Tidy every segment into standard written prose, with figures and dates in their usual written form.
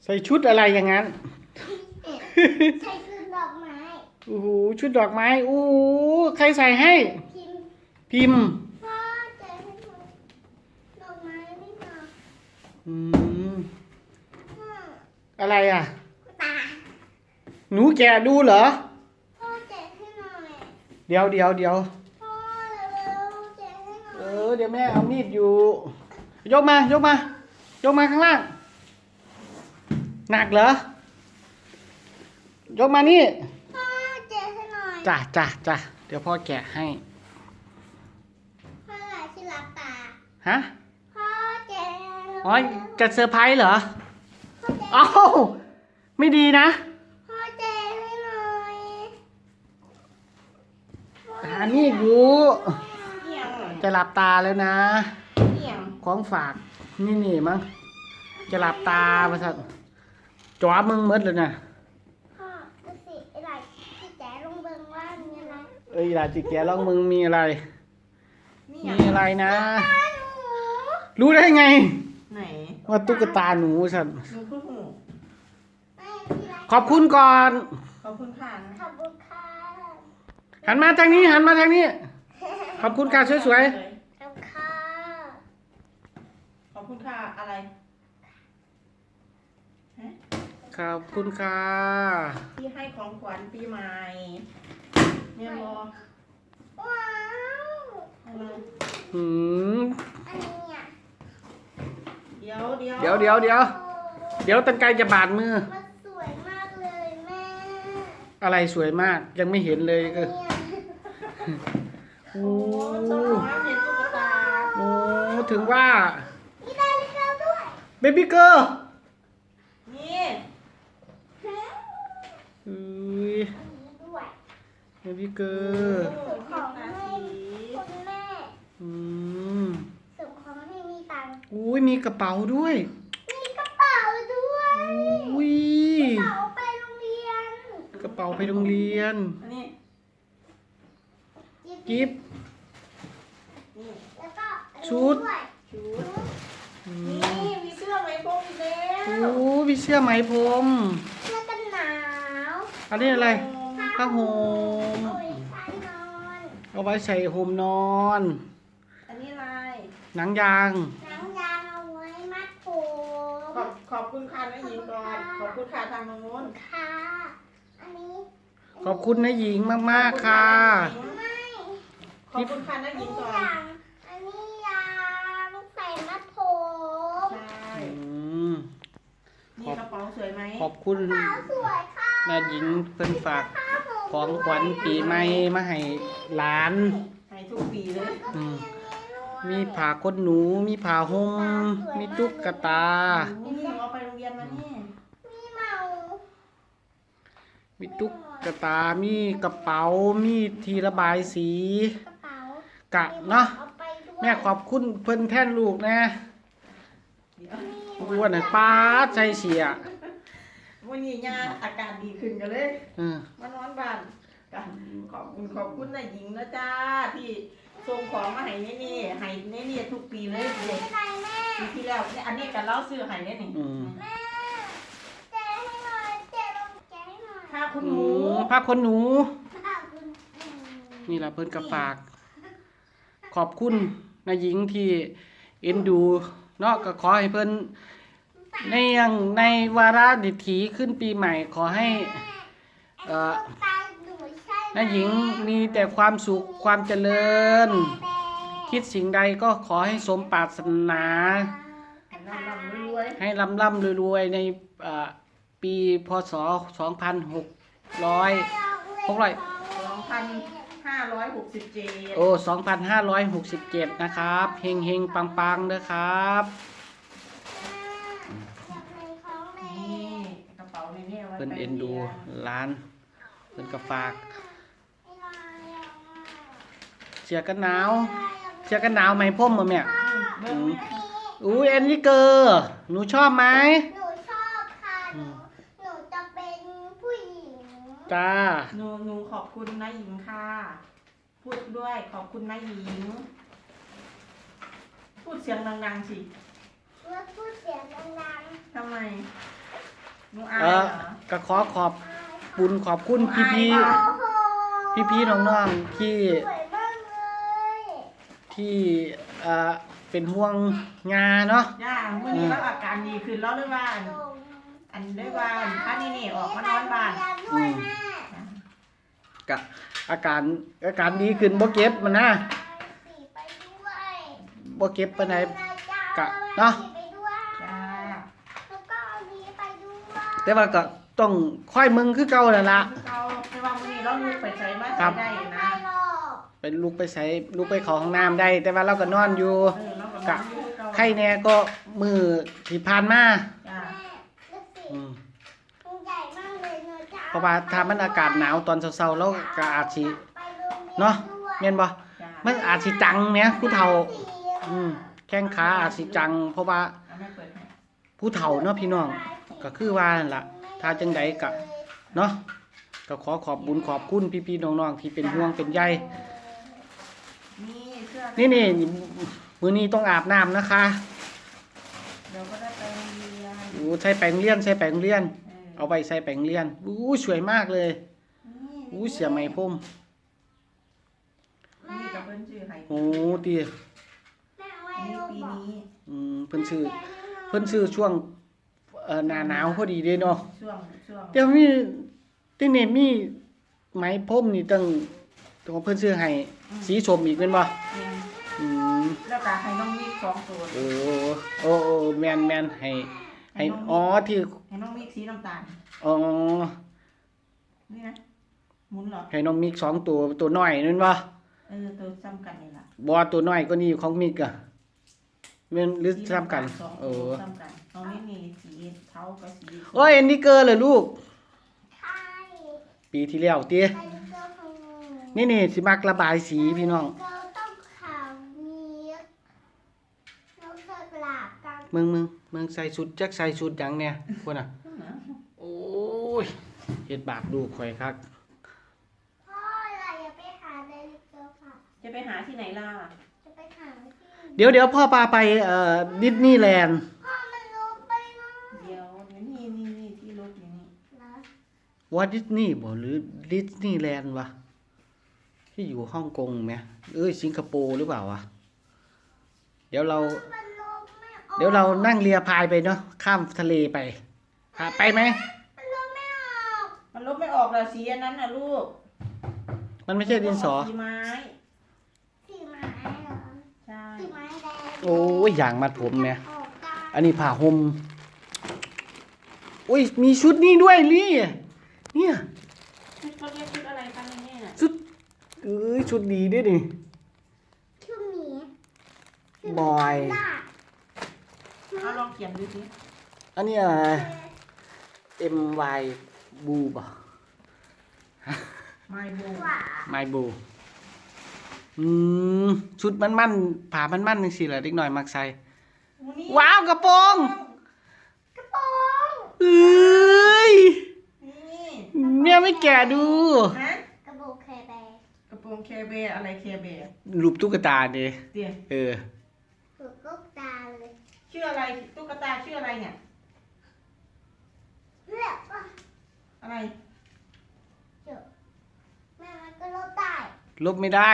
ใส่ชุดอะไรอย่างนั้นใส่ชุดดอกไม้โอ้โหชุดดอกไม้โอ้โหใครใส่ให้พิมพ์พิมพ์พ่อเจอให้หนูดอกไม้ไม่มาอืมพ่ออะไรอ่ะตาหนูแกะดูเหรอพ่อเจอให้หน่อยเดี๋ยวพ่อเร็วๆเจอให้หน่อยเดี๋ยวแม่เอามีดอยู่ ยกมายกมา ยกมาข้างล่าง หนักเหรอ ยกมานี่พ่อเจอให้หน่อยจ้ะเดี๋ยวพ่อแกะให้พ่อหลายที่รับตาฮะพ่อเจออ๋อจะเซอร์ไพรส์เหรอพ่อเจอเอ้าไม่ดีนะพ่อเจอให้หน่อยหามีดอยู่เหี่ยงจะหลับตาแล้วนะเหี่ยงของฝากนี่มั้งจะหลับตาประสัตจ๋อมึงมืดเลยนะพ่อดูสิไอ้หลายที่แจลงเบิ่งว่ามีอะไรเอ้ยลาจิแกลองมึงมีอะไรนี่มีอะไรนะตาหนูรู้ได้ไงไหนว่าตุ๊กตาหนูสัตว์หนูพูดหูไม่มีอะไรขอบคุณก่อนขอบคุณค่ะขอบคุณค่ะหันมาทางนี้หันมาทางนี้ ขอบคุณค่ะสวยขอบคุณค่ะขอบคุณค่ะอะไรฮะๆขอบคุณค่ะที่ให้ของขวัญปีใหม่เนี่ยรอว้าวอะไรหืมอันนี้อ่ะเดี๋ยวเดี๋ยวเดี๋ยวตันไกลจะบาดมือมันสวยมากเลยแม่อะไรสวยมาก ยังไม่เห็นเลยก็เนี่ยโอ้โอ้ชอบมากเห็นตุ๊กตาโอ้ถึงว่ามีนาฬิกาด้วยเบบี้เกอร์นี่ฮะอุ้ยอันนี้ด้วยเบบี้เกอโอ้ร์ส่งของให้สีคุณแม่อืมส่งของให้มีตังค์อุ้ยมีกระเป๋าด้วยมีกระเป๋าด้วยอุ้ยกระเป๋าไปโรงเรียนกระเป๋าไปโรงเรียนอันนี้กิฟต์นี่แล้วก็อันนี้ชุดวยชุดอืนี่มมีเสื้อไหมพรมอีกแล้วโอ้มีเสื้อไหมพรมเสื้อกันหนาวอันนี้อะไรผ้าห่มโอ้ยใส่นอนเอาไว้ใส่ห่มนอนอันนี้อะไรหนังยางหนังยางเอาไว้มัดผมขอบคุณค่ะนะหญิงก่อนขอบคุณค่ะทางโน้นค่ะอันนี้ขอบคุณนะหญิงมากๆค่ะไม่ขอบคุณค่ะนะอันหญินี้งก่อนยางอันนี้ยางใส่มัดผมใช่อืมนี่กระเป๋าสวยไหมขอบคุณขาวสวยค่ะนะหญิงเพิ่นฝากผ้าห่มของขวัญปีใหม่มาให้หลานให้ทุกปีเลยก็มีอันนี้ด้วยมีผ้าขนหนู มีผ้าห่ม มีตุ๊กตานี่หนูเอาไปโรงเรียนมานี่มีเมามีตุ๊กตา มีกระเป๋า มีที่ระบายสีกระเป๋ากะเนาะเอาไปด้วยแม่ขอบคุณเพิ่นแท่นลูกนะเดี๋ยวอ้วนน่ะป้าดใจเสียวันนี้ยาอาการดีขึ้นกันเลยเออมานอนบ้านกันขอบคุณนายหญิงนะจ้าที่ส่งของมาให้นี่ให้นี่ทุกปีเลยเด็กไม่เป็นไรแม่ปีที่แล้วอันนี้กันเล่าซื้อให้นี่อืมแม่แจกให้หน่อยแจกลงแจกให้หน่อยถ้าคุณหหนูนูผ้าขนหนูขอบคุณนี่ล่ะเพิ่นก็ฝาก ขอบคุณนายหญิงที่เอ็นดูเนาะก็ขอให้เพิ่นในวาระดิถีขึ้นปีใหม่ ขอให้เอ่อตาหนูใช่ไหมนายหญิงมีแต่ความสุขความเจริญแม่คิดสิ่งใดก็ขอให้สมปรารถนาลำรวยให้ร่ำรวยในปีพศ 2567 2,567 โอ้ 2567 นะครับเฮงเฮงปังปังๆเด้อครับนี่กระเป๋านี่เอาไว้เพิ่นเอ็นดูร้านเพิ่นก็ฝาก เสื้อกันหนาว เสื้อกันหนาวไหมพ่มมาแม่เบิ่งแม่อุ้ยแอนนี่เกอร์หนูชอบไหมหนูชอบค่ะหนูจะเป็นผู้หญิงจ้าหนูขอบคุณนายหญิงค่ะ พูดด้วยขอบคุณนายหญิง พูดเสียงดังๆสิเมื่อพูดเสียงดังทำไมๆหนูอายเหรอก็ขอขอบบุญขอบคุณพี่โอ้โหพี่น้องๆที่สวยมากเลยที่เป็นห่วงงาเนาะย่าเมื่อนี้เราอาการดีขึ้นแล้วหรือว่าอันได้ว่าถ้านี่ออกมานอนบ้านด้วยแม่กะอาการดีขึ้นบ่เก็บมันนะไปด้วยบ่เก็บปานใด กะเนาะเนาะไปด้วยจ้าแล้วก็เอานี้ไปด้วยแต่ว่าก็ต้องค่อยมึงคือเก่านั่นล่ะเราในวันนี้เราลูกไปใช้มาครัใช้บได้ไม่นะหรอกเป็นลูกไปใช้ลูกไปเข้าห้องน้ำได้ แต่ว่าเราก็นอนอยู่เราก็กะนอนอยู่เก่าไข้แน่ก็มือที่ผ่านมาจ้าแม่ดูสิอืมมันใหญ่มากเลยเนอะจ้เพราะว่าถ้ามันอากาศหนาวตอนเช้าๆแล้วก็อาจสิไปโรงรียเนาะด้วยแม่นบ่จ้ามันอาจสิจังแหมผู้เฒ่าสีแข้งขาอาจสิจัง เพราะว่าเอาไม่เปิดให้ผู้เฒ่าเนาะพี่น้องก็คือว่านั่นล่ะถ้าจังใดก็เนาะก็ขอขอบบุญขอบคุณพี่ๆน้องๆที่เป็นห่วงเป็นใยนี่เสื้อนี่มื้อนี้ต้องอาบน้ำนะคะเดี๋ยวก็ได้ไปโรงเรียนโอ้ใส่แป้งเลียนใส่แป้งเลียน เอาไปใส่แป้งเลียนอู้สวยมากเลยอู้เสียไหมพรมนี่กับเพิ่นชื่อไห้โอ้ติแม่ไว้นี่ลูกปีบอกนี้เพิ่นชื่อช่วงหน้าหนาวพอดีเด้เนาะช่วงแต่มีที่นี่มีไหมพรมนี่ตั้งตัวเพิ่นซื้อให้สีส้มอีกแม่นบ่เนี่ยอืมแล้วก็ให้น้องมิก2ตัวโอ้แม่นให้อ๋อที่ให้น้องมิกสีน้ำตาลอ๋อนี่นะหมุนเหรอให้น้องมิก2ตัวน้อยนั่นบ่ตัวซ้ำกันนี่ล่ะบ่ตัวน้อยก็นี่ของมิกอ่ะแม่นหรือซ้ำกันสองเอตัวอซ้ำกันน้องนี่สีเทากับสีโอ้ยอันนี้เกอร์เลยลูกใช่ปีที่แล้วติไปดูเจ้าของหนูนี่สิมักระบายสีพี่น้องเราต้องข่าวนี้เราเคยปราบกันมึงใส่ชุดจักใส่ชุดหยังเนี่ยพุ่นน่ะโอ้ยเฮ็ดบาปลูกข่อยคักพ่ออะไรอย่าไปหาในลิเกอร์ค่ะจะไปหาที่ไหนล่ะจะไปหาที่เดี๋ยวพ่อพาไปดิสนีย์แลนด์พ่อมันลงไปนะเดี๋ยวนี่ที่รถอยู่นี่นะวอลดิสนีย์บ่หรือดิสนีย์แลนด์วะที่อยู่ฮ่องกงไหมสิงคโปร์หรือเปล่าวะเดี๋ยวเรามันลงไม่ออกเดี๋ยวเรานั่งเรือพายไปเนาะข้ามทะเลไปไปไหมมันลงไม่ออกมันลบไม่ออกแล้วสีอันนั้นน่ะลูกมันไม่ใช่ดินสอสีไม้สีไม้เหรอใช่สีไม้แดงโอ้ยอย่างมัดผมเนี่ยออกได้อันนี้ผ้าห่มโอ้ยมีชุดนี้ด้วยลี่เนี่ยชุดเขาเรียกชุดอะไรกันเนี่ยชุดชุดดีด้วยนี่ชื่อหมีบอยล่ะเอาลองเขียนดูสิอันนี้อะไร MY บูบ่ไม้โบหว่า My Boo ชุดมันผ่ามันจังซี่แหละเด็กน้อยมักใส่นี่ว้าวกระโปรงกระโปรงเอ้ยนี่เนี่ยไม่แก่ดูฮะกระโปรงแคร์แบร์กระโปรงแคร์แบร์อะไรแคร์แบร์รูปตุ๊กตาดิเดี๋ยวถูกลูกตาเลยชื่ออะไรตุ๊กตาชื่ออะไรเนี่ยเลือกว่าอะไรเดี๋ยวแม่มันก็ลบได้ลบไม่ได้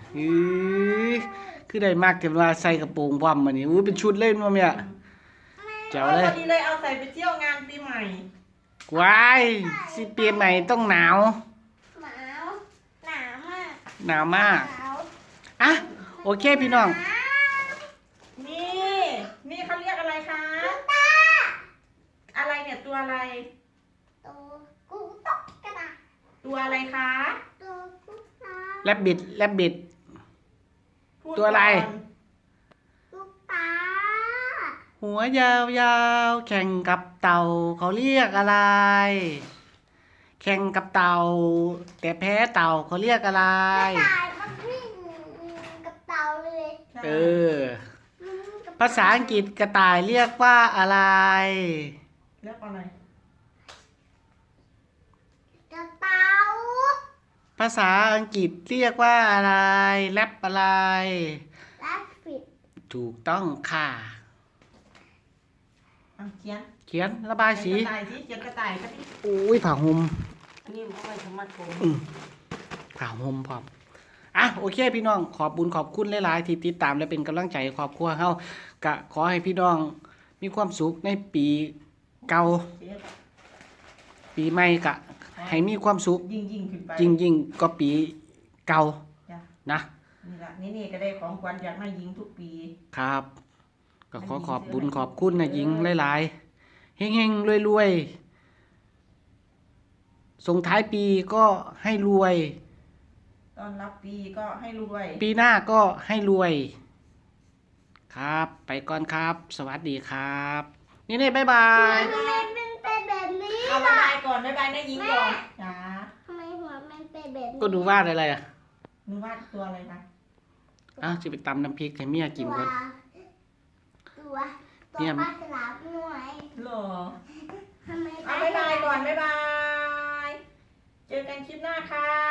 คือได้มากแต่เวลาใส่กระโปรงว่ำมานี่เป็นชุดเล่นมาเนี่ยแจ๋วเลยพอดีเลยเอาใส่ไปเที่ยวงานปีใหม่ว้ายสิปีใหม่ต้องหนาวหนาวหนาวมากหนาวมากหนาวอ่ะโอเคพี่น้องหนาวนี่เขาเรียกอะไรคะตาอะไรเนี่ยตัวอะไรตัวกูตกกระดาษตัวอะไรคะตัวกูตาแลบบิดพูดตัวอะไรก่นลูกตาหัวยาวๆแข่งกับเต่าเขาเรียกอะไร แข่งกับเต่า แต่แพ้เต่าเขาเรียกอะไรกระต่ายมันวิ่งกับเต่าเลยใช่เออกับภาษาอังกฤษกระต่ายเรียกว่าอะไรเรียกอะไรกระเต่าภาษาอังกฤษเรียกว่าอะไรแรปอะไรและปิดถูกต้องค่ะอ่ะเขียนเขียนระบายสีกระต่ายสีเขียนกระต่ายก็ดิอุ้ยผ้าห่มอันนี้เอาไว้สมัดผมผ้าห่มพร้อมอ่ะโอเคพี่น้องขอบบุญขอบคุณหลายๆที่ติดตามและเป็นกำลังใจให้ครอบครัวเฮากะขอให้พี่น้องมีความสุขในปีเก่าเขียนปีใหม่กะให้มีความสุขยิ่งขึ้นไปยิ่งก็ปีเก่าจ้ะนะนี่ละนี่ก็ได้ของขวัญจากนายหญิงทุกปีครับ ก็ขอขอบบุญขอบคุณนะหญิงหลายๆเฮงๆรวยๆส่งท้ายปีก็ให้รวยตอนรับปีก็ให้รวยปีหน้าก็ให้รวย ครับ ไปก่อนครับ สวัสดีครับ นี่บ๊ายบายทำไมมันเป็นแบบนี้เอาบ๊ายล่ะบายก่อนบ๊ายบายนายหญิงก่อนจ้าทำไมหัวมันเป็นแบบนี้ก็ดูวาดอะไรอ่ะหนูวาดตัวอะไรคะอ้าวจะไปตำน้ำพริกให้เมียกินก่อนตัวปลาฉลามหน่วยหรอทำไมเอาบ๊ายบายก่อนบ๊ายบาย เจอกันคลิปหน้าค่ะ